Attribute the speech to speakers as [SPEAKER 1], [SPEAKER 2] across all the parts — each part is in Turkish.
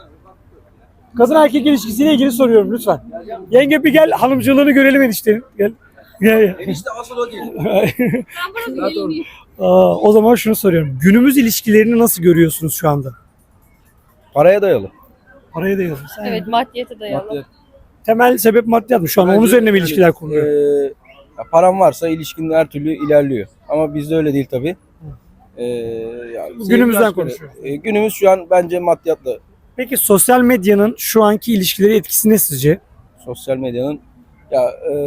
[SPEAKER 1] Kadın erkek ilişkisiyle ilgili soruyorum lütfen. Yenge bir gel, hanımcılığını görelim eniştenin. Gel. Gel.
[SPEAKER 2] Enişte asıl o değil.
[SPEAKER 3] Ben buranın geliniyim.
[SPEAKER 1] O zaman şunu soruyorum. Günümüz ilişkilerini nasıl görüyorsunuz şu anda?
[SPEAKER 2] Paraya dayalı.
[SPEAKER 1] Paraya dayalı. Sen
[SPEAKER 3] Evet, maddiyete dayalı.
[SPEAKER 2] Maddi.
[SPEAKER 1] temel sebep maddiyat mı? Şu an onun
[SPEAKER 2] Bence
[SPEAKER 1] üzerine mi
[SPEAKER 2] yani,
[SPEAKER 1] ilişkiler kuruluyor?
[SPEAKER 2] Param varsa ilişkin her türlü ilerliyor. Ama bizde öyle değil tabii. Yani
[SPEAKER 1] Günümüzden
[SPEAKER 2] sevgi aşk
[SPEAKER 1] konuşuyoruz.
[SPEAKER 2] böyle. Günümüz şu an bence maddiyatla.
[SPEAKER 1] Peki sosyal medyanın şu anki ilişkileri etkisi ne sizce?
[SPEAKER 2] Sosyal medyanın ya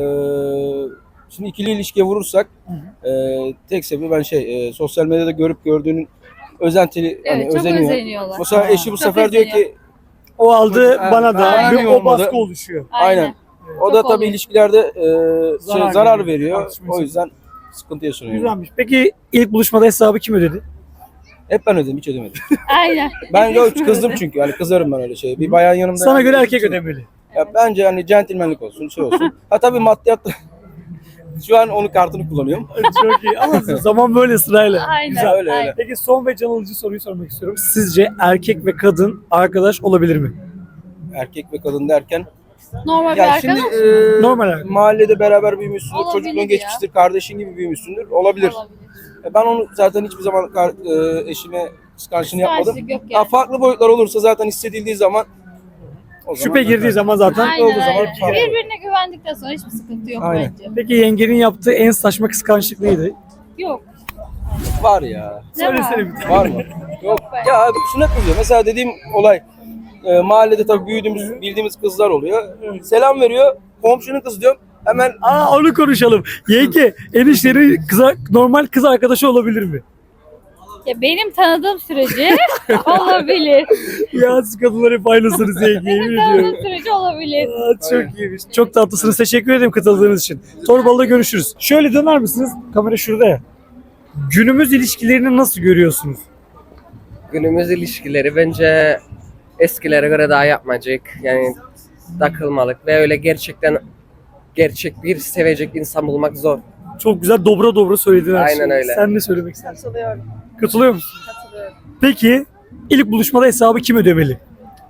[SPEAKER 2] şimdi ikili ilişkiye vurursak tek sebebi ben sosyal medyada görüp gördüğünün özentili
[SPEAKER 3] Evet,
[SPEAKER 2] hani
[SPEAKER 3] çok
[SPEAKER 2] özeniyor.
[SPEAKER 3] özeniyorlar.
[SPEAKER 2] Mesela eşi bu
[SPEAKER 3] Çok
[SPEAKER 2] sefer diyor ki
[SPEAKER 1] O aldı
[SPEAKER 2] Ha,
[SPEAKER 1] bana da
[SPEAKER 2] aynen.
[SPEAKER 1] bir o baskı oluşuyor.
[SPEAKER 2] aynen. O da
[SPEAKER 3] Çok
[SPEAKER 2] tabii
[SPEAKER 3] oluyor.
[SPEAKER 2] ilişkilerde zarar
[SPEAKER 1] veriyor.
[SPEAKER 2] veriyor.
[SPEAKER 1] Tartışma
[SPEAKER 2] O yüzden sıkıntı yaşanıyor.
[SPEAKER 1] Güzelmiş. Peki ilk buluşmada hesabı kim ödedi?
[SPEAKER 2] Hep ben ödedim, hiç ödemedim.
[SPEAKER 3] Aynen.
[SPEAKER 2] Ben yok kızdım çünkü. Yani kızarım ben öyle şey. Bir bayan yanımda.
[SPEAKER 1] Sana göre erkek
[SPEAKER 2] ödedi.
[SPEAKER 1] ödemeli.
[SPEAKER 2] Ya bence hani centilmenlik olsun, şey olsun. Ha tabii maddiyat da şu an onun kartını kullanıyorum.
[SPEAKER 1] Çok iyi ama zaman böyle sırayla.
[SPEAKER 3] Aynen.
[SPEAKER 2] Güzel, öyle,
[SPEAKER 3] aynen.
[SPEAKER 2] öyle.
[SPEAKER 1] Peki son ve can alıcı soruyu sormak istiyorum. Sizce erkek ve kadın arkadaş olabilir mi?
[SPEAKER 2] Erkek ve kadın derken.
[SPEAKER 3] Normal bir
[SPEAKER 2] Ya
[SPEAKER 3] arkadaş.
[SPEAKER 2] şimdi
[SPEAKER 1] Normal arkadaş.
[SPEAKER 2] mahallede beraber büyümüşsündür,
[SPEAKER 3] Olabilir
[SPEAKER 2] çocukluğun
[SPEAKER 3] ya.
[SPEAKER 2] geçmiştir, kardeşin gibi büyümüşsündür. Olabilir. Ben onu zaten hiçbir zaman eşime kıskançlığını yapmadım.
[SPEAKER 3] Kıskançlık yok
[SPEAKER 2] Ya
[SPEAKER 3] yani.
[SPEAKER 2] farklı boyutlar olursa zaten hissedildiği zaman o
[SPEAKER 1] Şüphe girdiği zaman zaten
[SPEAKER 3] Aynen,
[SPEAKER 1] olduğu zaman.
[SPEAKER 3] aynen.
[SPEAKER 2] farklı.
[SPEAKER 3] Birbirine güvendikten sonra hiçbir sıkıntı yok
[SPEAKER 2] Aynen.
[SPEAKER 3] bence.
[SPEAKER 1] Peki yengenin yaptığı en saçma kıskançlık neydi?
[SPEAKER 3] Yok.
[SPEAKER 2] var ya.
[SPEAKER 3] Ne var?
[SPEAKER 1] Söylesene bir tane.
[SPEAKER 2] Var mı? Yok. Ya abi şunu hep biliyor. Mesela dediğim olay mahallede tabii büyüdüğümüz, bildiğimiz kızlar oluyor. Selam veriyor. Komşunun kızı diyorum. Hemen
[SPEAKER 1] Onu konuşalım. Yenge eniştenin normal kız arkadaşı olabilir mi?
[SPEAKER 3] Ya benim tanıdığım sürece olabilir.
[SPEAKER 1] Ya siz kadınlar hep aynısınız yenge. Yemin
[SPEAKER 3] Benim
[SPEAKER 1] ediyorum.
[SPEAKER 3] tanıdığım sürece olabilir.
[SPEAKER 1] Çok iyiymiş. Çok tatlısınız. Teşekkür ederim katıldığınız için. Torbalı'da görüşürüz. Şöyle döner misiniz? Kamera şurada ya. Günümüz ilişkilerini nasıl görüyorsunuz?
[SPEAKER 4] Günümüz ilişkileri bence eskilere göre daha yapmacık. Yani takılmalık ve öyle gerçek bir sevecek insan bulmak zor.
[SPEAKER 1] Çok güzel dobra dobra söyledin her şeyi.
[SPEAKER 4] Aynen öyle.
[SPEAKER 1] Sen ne söylemek istersin?
[SPEAKER 3] Katılıyorum.
[SPEAKER 1] Katılıyor musun?
[SPEAKER 3] Katılıyorum.
[SPEAKER 1] Peki ilk buluşmada hesabı kim ödemeli?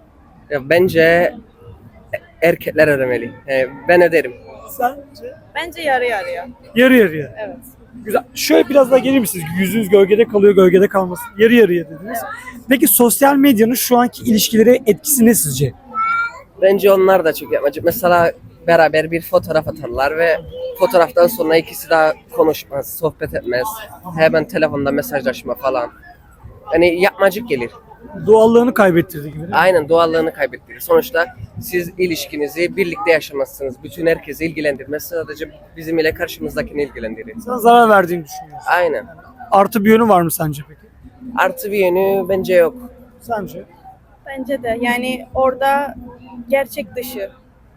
[SPEAKER 4] Ya bence erkekler ödemeli. Ben öderim.
[SPEAKER 1] Sence?
[SPEAKER 5] Bence yarı yarıya.
[SPEAKER 1] Yarı yarıya.
[SPEAKER 5] Evet.
[SPEAKER 1] Güzel. Şöyle biraz daha gelir misiniz? Yüzünüz gölgede kalıyor, gölgede kalmasın. Yarı yarıya dediniz. Peki sosyal medyanın şu anki ilişkilere etkisi ne sizce?
[SPEAKER 4] Bence onlar da çok yapmacık. Mesela beraber bir fotoğraf atarlar ve fotoğraftan sonra ikisi daha konuşmaz, sohbet etmez. Hemen telefonda mesajlaşma falan. Yani yapmacık gelir.
[SPEAKER 1] Doğallığını kaybettirdi gibi.
[SPEAKER 4] Aynen doğallığını kaybettirir. Sonuçta siz ilişkinizi birlikte yaşamazsınız. Bütün herkesi ilgilendirmez. Sadece bizim ile karşımızdakini ilgilendirir.
[SPEAKER 1] Sana zarar verdiğini düşünüyorsun.
[SPEAKER 4] Aynen.
[SPEAKER 1] Artı bir yönü var mı sence peki?
[SPEAKER 4] Artı bir yönü bence yok.
[SPEAKER 1] Sence?
[SPEAKER 5] Bence de yani orada gerçek dışı.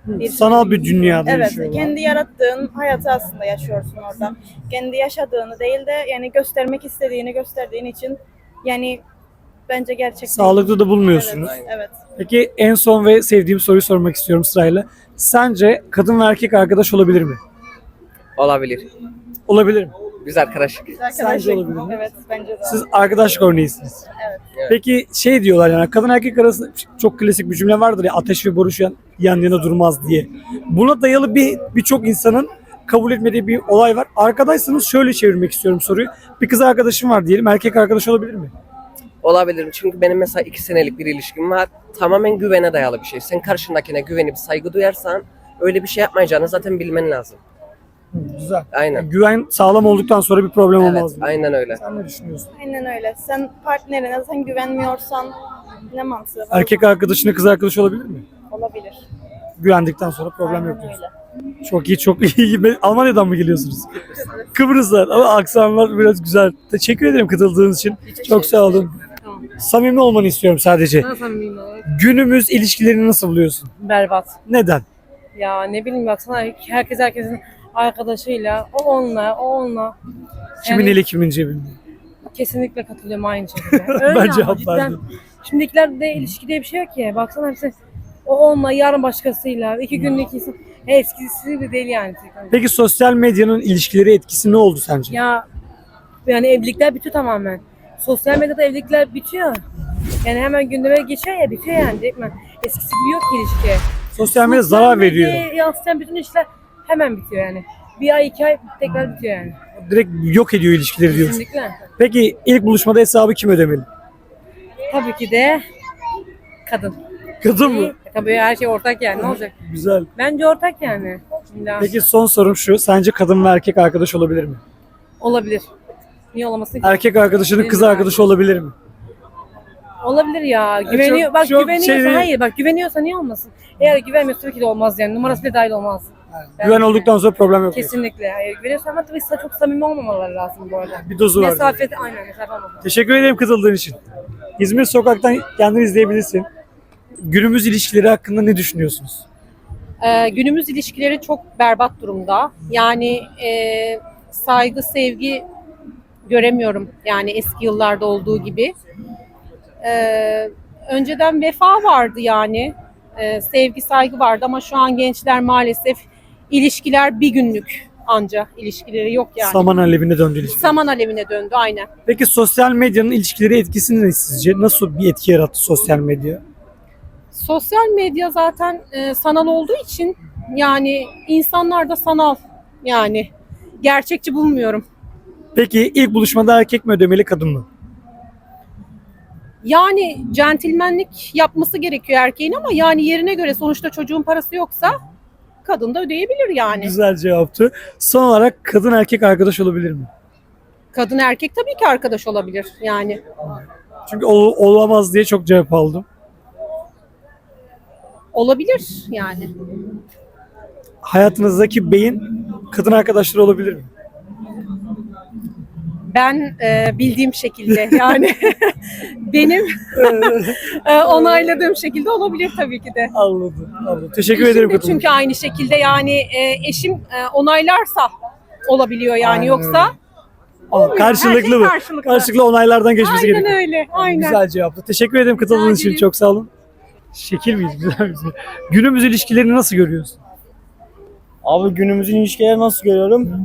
[SPEAKER 1] Sanal bir dünyada
[SPEAKER 5] Evet,
[SPEAKER 1] yaşıyorlar.
[SPEAKER 5] kendi yarattığın hayatı aslında yaşıyorsun orada. Kendi yaşadığını değil de yani göstermek istediğini gösterdiğin için yani bence gerçek değil.
[SPEAKER 1] Sağlıklı da bulmuyorsunuz.
[SPEAKER 5] Evet, evet.
[SPEAKER 1] Peki en son ve sevdiğim soruyu sormak istiyorum sırayla. Sence kadın ve erkek arkadaş olabilir mi?
[SPEAKER 4] Olabilir.
[SPEAKER 1] Olabilir mi?
[SPEAKER 4] Biz arkadaşlık.
[SPEAKER 1] Sence olabilir mi?
[SPEAKER 5] Evet, bence de.
[SPEAKER 1] Siz arkadaşlık örneğisiniz.
[SPEAKER 5] Evet.
[SPEAKER 1] Peki şey diyorlar yani kadın erkek arasında çok klasik bir cümle vardır ya ateş ve boruş yan yana durmaz diye. Buna dayalı birçok insanın kabul etmediği bir olay var. Arkadaşsanız şöyle çevirmek istiyorum soruyu. Bir kız arkadaşım var diyelim. Erkek arkadaş olabilir mi?
[SPEAKER 4] Olabilir. Çünkü benim mesela 2 senelik bir ilişkim var. Tamamen güvene dayalı bir şey. Sen karşındakine güvenip saygı duyarsan öyle bir şey yapmayacağını zaten bilmen lazım.
[SPEAKER 1] Güzel.
[SPEAKER 4] Aynen.
[SPEAKER 1] Güven sağlam olduktan sonra bir problem
[SPEAKER 4] Evet,
[SPEAKER 1] olmaz.
[SPEAKER 4] aynen öyle.
[SPEAKER 1] Sen ne düşünüyorsun?
[SPEAKER 5] Aynen öyle. Sen partnerine sen güvenmiyorsan ne mantığı var?
[SPEAKER 1] Erkek arkadaşına kız arkadaş olabilir mi?
[SPEAKER 5] Olabilir.
[SPEAKER 1] Güvendikten sonra problem
[SPEAKER 5] Aynen
[SPEAKER 1] yok diyorsun.
[SPEAKER 5] öyle.
[SPEAKER 1] Çok iyi, çok iyi. Almanya'dan mı geliyorsunuz? Kıbrıs'tan ama aksanlar biraz güzel. Teşekkür ederim katıldığınız için. Çok sağ olun.
[SPEAKER 6] Tamam.
[SPEAKER 1] Samimi olmanı istiyorum sadece.
[SPEAKER 6] Nasıl samimi olarak?
[SPEAKER 1] Günümüz ilişkilerini nasıl buluyorsun?
[SPEAKER 6] Berbat.
[SPEAKER 1] Neden?
[SPEAKER 6] Ya ne bileyim baksana herkesin arkadaşıyla, o onunla.
[SPEAKER 1] Kimin eli kimin cebinde?
[SPEAKER 6] Kesinlikle katılıyorum aynı şekilde. Öyle
[SPEAKER 1] Ben
[SPEAKER 6] ama
[SPEAKER 1] cevap
[SPEAKER 6] cidden.
[SPEAKER 1] verdim.
[SPEAKER 6] Şimdikilerde ilişki diye bir şey yok ki. Baksana hepsi o onunla, yarın başkasıyla, 2 günlük insan. Eskisi de değil yani.
[SPEAKER 1] Peki sosyal medyanın ilişkileri etkisi ne oldu sence?
[SPEAKER 6] Ya yani evlilikler bitiyor tamamen. Sosyal medyada evlilikler bitiyor. Yani hemen gündeme geçiyor ya, bitiyor yani direktmen. Eskisi gibi yok ki ilişki.
[SPEAKER 1] Sosyal medya zarar veriyor.
[SPEAKER 6] Yansıtan bütün işler hemen bitiyor yani. Bir ay 2 ay tekrar bitiyor yani.
[SPEAKER 1] Direkt yok ediyor ilişkileri diyorsun.
[SPEAKER 6] Kesinlikle.
[SPEAKER 1] Peki ilk buluşmada hesabı kim ödemeli?
[SPEAKER 6] Tabii ki de kadın.
[SPEAKER 1] Kadın mı?
[SPEAKER 6] Tabii her şey ortak yani, ne olacak?
[SPEAKER 1] Güzel.
[SPEAKER 6] Bence ortak yani. Şimdi
[SPEAKER 1] Peki son sorum şu. Sence kadın ve erkek arkadaş olabilir mi?
[SPEAKER 6] olabilir. Niye olamasın ki?
[SPEAKER 1] Erkek arkadaşının kız arkadaşı olabilir mi?
[SPEAKER 6] Olabilir ya. Güveniyor.
[SPEAKER 1] çok-
[SPEAKER 6] Bak
[SPEAKER 1] çok
[SPEAKER 6] güveniyorsa
[SPEAKER 1] şey değil.
[SPEAKER 6] hayır. Bak güveniyorsa niye olmasın? Eğer güvenmiyorsa tabii ki de olmaz yani. Numarası bile dahil olmaz.
[SPEAKER 1] Güven
[SPEAKER 6] Bence.
[SPEAKER 1] olduktan sonra problem yok.
[SPEAKER 6] Kesinlikle. Hayır, güveniyorsa ama tabii çok samimi olmamaları lazım bu arada.
[SPEAKER 1] Bir dozu var.
[SPEAKER 6] Mesafeti aynen mesafe olmalı.
[SPEAKER 1] Teşekkür ederim katıldığın için. İzmir Sokak'tan kendini izleyebilirsin. Günümüz ilişkileri hakkında ne düşünüyorsunuz?
[SPEAKER 7] Günümüz ilişkileri çok berbat durumda. Yani saygı, sevgi göremiyorum. Yani eski yıllarda olduğu gibi. Önceden vefa vardı yani. Sevgi, saygı vardı ama şu an gençler maalesef ilişkiler bir günlük anca ilişkileri yok yani.
[SPEAKER 1] Saman alevine döndü ilişki.
[SPEAKER 7] Saman alevine döndü aynen.
[SPEAKER 1] Peki sosyal medyanın ilişkileri etkisi ne sizce? Nasıl bir etki yarattı sosyal medya?
[SPEAKER 7] Sosyal medya zaten sanal olduğu için yani insanlar da sanal yani gerçekçi bulmuyorum.
[SPEAKER 1] Peki ilk buluşmada erkek mi ödemeli kadın mı?
[SPEAKER 7] Yani centilmenlik yapması gerekiyor erkeğin ama yani yerine göre sonuçta çocuğun parası yoksa kadın da ödeyebilir yani.
[SPEAKER 1] Güzel cevaptı. Son olarak kadın erkek arkadaş olabilir mi?
[SPEAKER 7] Kadın erkek tabii ki arkadaş olabilir yani.
[SPEAKER 1] Çünkü olamaz diye çok cevap aldım.
[SPEAKER 7] Olabilir yani.
[SPEAKER 1] Hayatınızdaki beyin kadın arkadaşları olabilir mi?
[SPEAKER 7] Ben bildiğim şekilde yani benim onayladığım şekilde olabilir tabii ki de.
[SPEAKER 1] Anladım. Anladım. Teşekkür
[SPEAKER 7] Eşim
[SPEAKER 1] ederim.
[SPEAKER 7] de çünkü aynı şekilde yani eşim onaylarsa olabiliyor yani
[SPEAKER 1] Aynen
[SPEAKER 7] öyle.
[SPEAKER 1] Ama karşılıklı
[SPEAKER 7] Her şey
[SPEAKER 1] mı?
[SPEAKER 7] karşılıklı.
[SPEAKER 1] Karşılıklı onaylardan geçmesi
[SPEAKER 7] Aynen
[SPEAKER 1] gerekiyor.
[SPEAKER 7] öyle. Aynen.
[SPEAKER 1] Güzel cevaptı. Teşekkür ederim katıldığınız için.
[SPEAKER 7] ederim.
[SPEAKER 1] Çok sağ olun. Şekil miyiz? Güzel miyiz? Günümüz ilişkilerini nasıl görüyorsun?
[SPEAKER 8] Abi günümüzün ilişkileri nasıl görüyorum?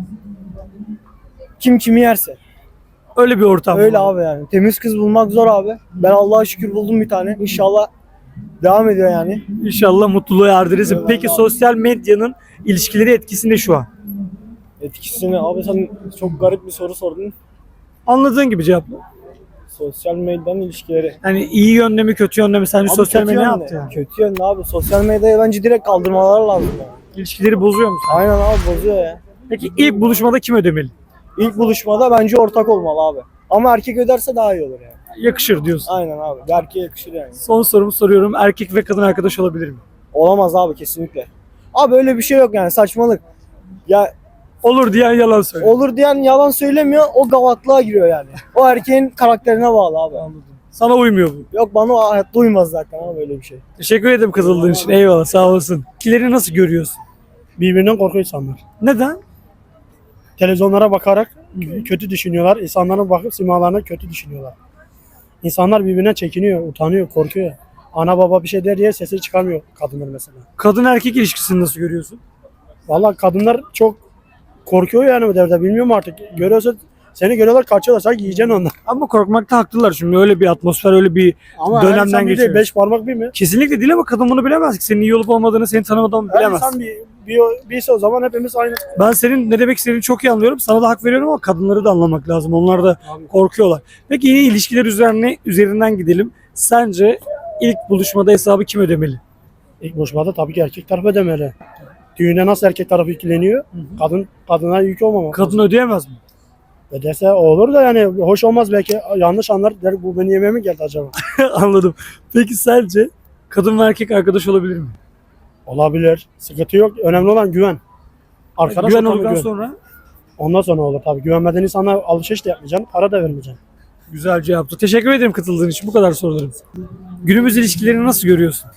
[SPEAKER 8] Kim kimi yerse.
[SPEAKER 1] Öyle bir ortam.
[SPEAKER 8] Öyle
[SPEAKER 1] var.
[SPEAKER 8] abi yani. Temiz kız bulmak zor abi. Ben Allah'a şükür buldum bir tane. İnşallah devam ediyor yani.
[SPEAKER 1] İnşallah mutluluğa erdirirsin.
[SPEAKER 8] Eyvallah
[SPEAKER 1] Peki
[SPEAKER 8] abi.
[SPEAKER 1] sosyal medyanın ilişkileri etkisinde şu an.
[SPEAKER 8] Etkisini abi sen çok garip bir soru sordun.
[SPEAKER 1] Anladığın gibi cevapla.
[SPEAKER 8] Sosyal medyanın ilişkileri.
[SPEAKER 1] Yani iyi yönde mi kötü yönde mi? Sence
[SPEAKER 8] Abi
[SPEAKER 1] sosyal
[SPEAKER 8] kötü
[SPEAKER 1] medya ne
[SPEAKER 8] yönde.
[SPEAKER 1] yaptı yani?
[SPEAKER 8] Kötü yönde abi. Sosyal medyayı bence direkt kaldırmaları lazım. Yani.
[SPEAKER 1] İlişkileri bozuyor musun?
[SPEAKER 8] Aynen abi bozuyor ya.
[SPEAKER 1] Peki ilk buluşmada kim ödemeli?
[SPEAKER 8] İlk buluşmada bence ortak olmalı abi. Ama erkek öderse daha iyi olur yani.
[SPEAKER 1] Yakışır diyorsun.
[SPEAKER 8] Aynen abi. Bir erkeğe yakışır yani.
[SPEAKER 1] Son sorumu soruyorum. Erkek ve kadın arkadaş olabilir mi?
[SPEAKER 8] Olamaz abi kesinlikle. Abi öyle bir şey yok yani saçmalık. Ya
[SPEAKER 1] Olur diyen yalan söylüyor.
[SPEAKER 8] olur diyen yalan söylemiyor, o gavatlığa giriyor yani. O erkeğin karakterine bağlı abi.
[SPEAKER 1] Sana uymuyor bu.
[SPEAKER 8] Yok bana o hayatta uymaz zaten abi böyle bir şey.
[SPEAKER 1] Teşekkür ederim katıldığın için. Eyvallah sağ olasın. İlişkileri nasıl görüyorsun?
[SPEAKER 9] Birbirinden korkuyor insanlar.
[SPEAKER 1] Neden?
[SPEAKER 9] Televizyonlara bakarak kötü düşünüyorlar. İnsanlara bakıp simalarına kötü düşünüyorlar. İnsanlar birbirine çekiniyor, utanıyor, korkuyor. Ana baba bir şey der diye sesi çıkarmıyor kadınlar mesela.
[SPEAKER 1] Kadın erkek ilişkisini nasıl görüyorsun?
[SPEAKER 9] Vallahi kadınlar çok korkuyor yani bu devirde. Bilmiyorum artık. Görüyorsa seni görüyorlar kaçıyorlar. Sanki yiyeceksin onlar.
[SPEAKER 1] Ama korkmakta haklılar çünkü öyle bir atmosfer, öyle bir
[SPEAKER 9] Ama
[SPEAKER 1] dönemden
[SPEAKER 9] her insan bir de
[SPEAKER 1] geçiyoruz.
[SPEAKER 9] 5 parmak bir mi?
[SPEAKER 1] Kesinlikle değil ama kadın bunu bilemez ki. Senin iyi olup olmadığını, seni tanımadan
[SPEAKER 9] Her
[SPEAKER 1] bilemez.
[SPEAKER 9] insan birse o zaman hepimiz aynı.
[SPEAKER 1] Ben senin ne demek istediğini çok iyi anlıyorum. Sana da hak veriyorum ama kadınları da anlamak lazım. Onlar da
[SPEAKER 9] Abi.
[SPEAKER 1] korkuyorlar. Peki yine ilişkiler üzerinden gidelim. Sence ilk buluşmada hesabı kim ödemeli?
[SPEAKER 9] İlk buluşmada tabii ki erkek tarafı ödemeli. Düğünde nasıl erkek tarafı yükleniyor? Kadına yük olmamak.
[SPEAKER 1] Kadın ödeyemez mi?
[SPEAKER 9] Öderse olur da yani hoş olmaz belki yanlış anlar der bu beni yemeye mi geldi acaba?
[SPEAKER 1] Anladım. Peki sence kadın ve erkek arkadaş olabilir mi?
[SPEAKER 9] Olabilir. Sıkıntı yok. Önemli olan güven. Arkadaş
[SPEAKER 1] Güven
[SPEAKER 9] ortamı
[SPEAKER 1] olduktan sonra
[SPEAKER 9] Ondan sonra olur tabii. Güvenmeden insana alışveriş de yapmayacaksın. Para da vermeyeceksin.
[SPEAKER 1] güzel cevaptı. Teşekkür ederim katıldığın için. Bu kadar sorularım. Günümüz ilişkilerini nasıl görüyorsun?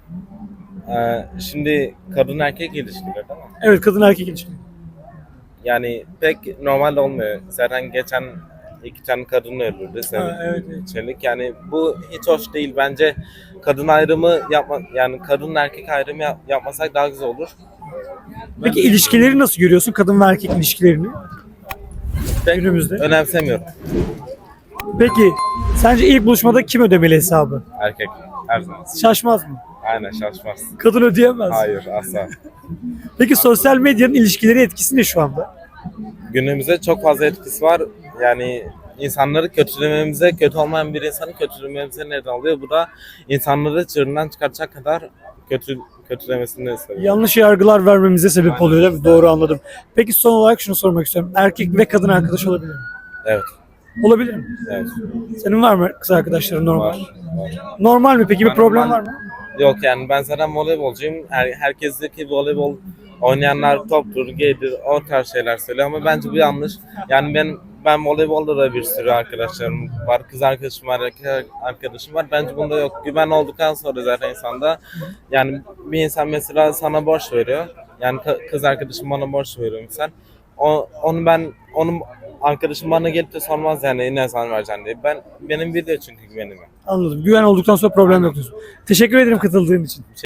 [SPEAKER 10] Şimdi kadın erkek ilişkileri değil mi?
[SPEAKER 1] Evet, kadın erkek ilişkileri.
[SPEAKER 10] Yani pek normal olmuyor. Zaten geçen 2 tane kadın öldürdü
[SPEAKER 1] evet.
[SPEAKER 10] senelik. Yani bu hiç hoş değil. Bence kadın ayrımı yani kadın erkek ayrımı yapmasak daha güzel olur.
[SPEAKER 1] Peki ilişkileri nasıl görüyorsun? Kadın ve erkek ilişkilerini
[SPEAKER 10] Pek
[SPEAKER 1] günümüzde.
[SPEAKER 10] önemsemiyorum.
[SPEAKER 1] Peki sence ilk buluşmada kim ödemeli hesabı?
[SPEAKER 10] Erkek her zaman.
[SPEAKER 1] Şaşmaz mı?
[SPEAKER 10] Aynen şaşmaz.
[SPEAKER 1] Kadın ödeyemez.
[SPEAKER 10] Hayır asla.
[SPEAKER 1] Peki sosyal medyanın ilişkileri etkisi ne şu anda?
[SPEAKER 10] Günümüzde çok fazla etkisi var. Yani insanları kötülememize, kötü olmayan bir insanı kötülememize neden oluyor. Bu da insanları çığırından çıkartacak kadar kötülemesini seviyor.
[SPEAKER 1] Yanlış yargılar vermemize sebep oluyor değil mi? Doğru anladım. Peki son olarak şunu sormak istiyorum. Erkek ve kadın arkadaş olabilir mi?
[SPEAKER 10] Evet.
[SPEAKER 1] Olabilir mi?
[SPEAKER 10] Evet.
[SPEAKER 1] Senin var mı kız arkadaşların normal?
[SPEAKER 10] Var.
[SPEAKER 1] Normal mi peki? Bir
[SPEAKER 10] Ben
[SPEAKER 1] problem
[SPEAKER 10] normal-
[SPEAKER 1] var mı?
[SPEAKER 10] Yok yani ben zaten voleybolcuyum. Herkesteki voleybol oynayanlar toptur, gaydir, o tarz şeyler söylüyor ama bence bu yanlış. Yani ben voleybolda da bir sürü arkadaşlarım var. Kız arkadaşım var, erkek arkadaşım var. Bence bunda yok. Güven olduktan sonra zaten insanda yani bir insan mesela sana borç veriyor. Yani kız arkadaşım bana borç veriyor misal. Onun arkadaşım bana gelip de sormaz yani ne zaman vereceksin diye. Benim bir de çünkü güvenim yok.
[SPEAKER 1] Anladım. Güven olduktan sonra problem yok diyorsun. Teşekkür ederim katıldığın için.